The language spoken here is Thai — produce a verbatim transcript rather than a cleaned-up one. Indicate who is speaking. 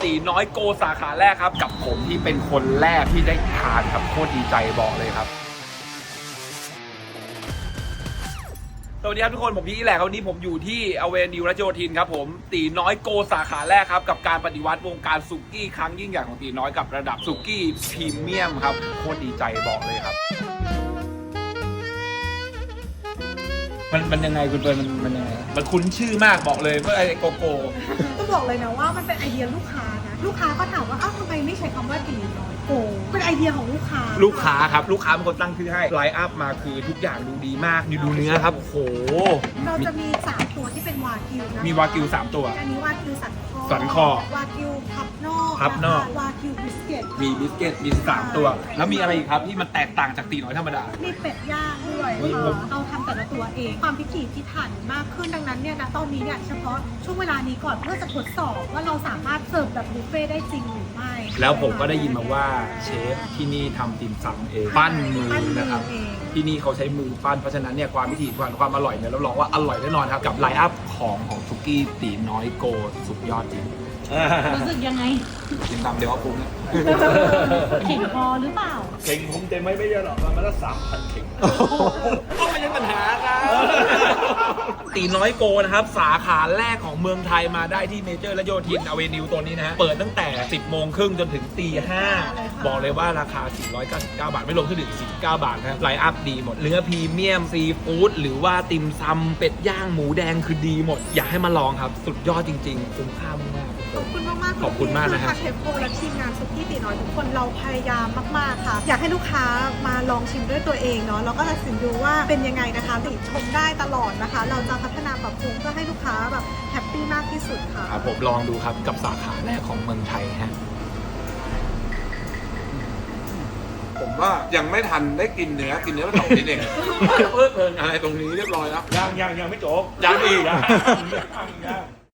Speaker 1: ตีน้อยโกสาขาแรกครับกับผมที่เป็นคนแรกที่ได้ทานครับโคตรดีใจบอกเลยครับสวัสดีครับทุกคนผมพี่แหละวันนี้ผมอยู่ที่อเวนิวรัชโยธินครับผมตีน้อยโกสาขาแรกครับกับการปฏิวัติวงการสุกี้ครั้งยิ่งใหญ่ของตีน้อยกับระดับสุกี้พรีเมียมครับโคตรดีใจบอกเลยครับมันมันยังไงคุณเฟิร์นมันมันยังไงมันคุ้นชื่อมากบอกเลยว่าไอ้โกโก้
Speaker 2: ต้องบอกเลยนะว่ามันเป็นไอเดียลูกค้านะลูกค้าก็ถามว่าอ้าวทำไมไม่ใช้คำว่าตีน้อยโกเป็นไอเดียของลูกค้า
Speaker 1: ลูกค้าครับลูกค้าเป็นคนตั้งชื่อให้ไลน์อัพมาคือทุกอย่างดูดีมากดูเนื้อครับโอ้โห
Speaker 2: เราจะมีสามตัวที่เป็นวากิวนะ
Speaker 1: มีวากิวสามตัว
Speaker 2: อันนี้วากิวสันคอ
Speaker 1: สันคอ
Speaker 2: วากิวพับนอก
Speaker 1: พับนอก
Speaker 2: วากิวบิสเกต
Speaker 1: มีบิสเกตมีสามตัวแล้วมีอะไรอีกครับที่มันแตกต่างจากตีน้อยธรรมดา
Speaker 2: มีเป็ดย่างด้วยเราทำแต่ละตัวเองความพิถีพิถันมากขึ้นดังนั้นเนี่ยนะตอนนี้เนี่ยเฉพาะช่วงเวลานี้ก่อนเพื่อจะทดสอบว่าเราสามารถเสิร์ฟแบบบุฟเฟ่ได้จริงหรือไม่
Speaker 1: แล้วผมก็ได้ยินมาว่าเชฟที่นี่ทำติ่มซำเองปั้นมือนะครับที่นี่เขาใช้มือปั้นเพราะฉะนั้นเนี่ยความพิถีพิถันความอร่อยเนี่ยรับรองว่าอร่อยแน่นอนครับกับไลน์อัพของของสุกี้ตีน้อยโกสุดยอดจริง
Speaker 2: รู้สึกยังไง
Speaker 1: กินตามเดี๋ยวว่าปรุงนะ
Speaker 2: เข่งพอหรือเปล่า
Speaker 3: เข่งผมเต็มไม่ไม่เยอะหรอกมันละสามพันเข่ง
Speaker 1: ก็ไม่ใช่ปัญหาครับตีน้อยโกนะครับสาขาแรกของเมืองไทยมาได้ที่เมเจอร์และโยธินอเวนิวตัวนี้นะฮะเปิดตั้งแต่สิบโมงครึ่งจนถึงตีห้าบอกเลยว่าราคาสี่ร้อยเก้าสิบเก้าบาทไม่รวมเครื่องดื่มสี่สิบเก้าบาทนะไลน์อัพดีหมดเนื้อพรีเมียมซีฟู้ดหรือว่าติ่มซำเป็ดย่างหมูแดงคือดีหมดอยากให้มาลองครับสุดยอดจริงๆคุ้มค่ามาก
Speaker 2: ขอบคุณมากมาก
Speaker 1: ขอบคุณมากนะฮะ
Speaker 2: เชฟโกและทีมงานสุกี้ตีน้อยทุกคนเราพยายามมากๆค่ะอยากให้ลูกค้ามาลองชิมด้วยตัวเองเนาะแล้วก็ตัดสินดูว่าเป็นยังไงนะคะติชมได้ตลอดนะคะเราจะพัฒนาปรับปรุงเพื่อให้ลูกค้าแบบแฮปปี้มากที่สุดค่ะ
Speaker 1: ครับผมลองดูครับกับสาขาแรกของเมืองไทยฮะผมว่ายังไม่ทันได้กินเนื้อกินเนื้อมาสองนิดเองเพิ่มเพิ่มอะไรตรงนี้เรียบร้อยแล้ว
Speaker 3: ยังยังยังไม่จบ
Speaker 1: ยังอีกอ่ะ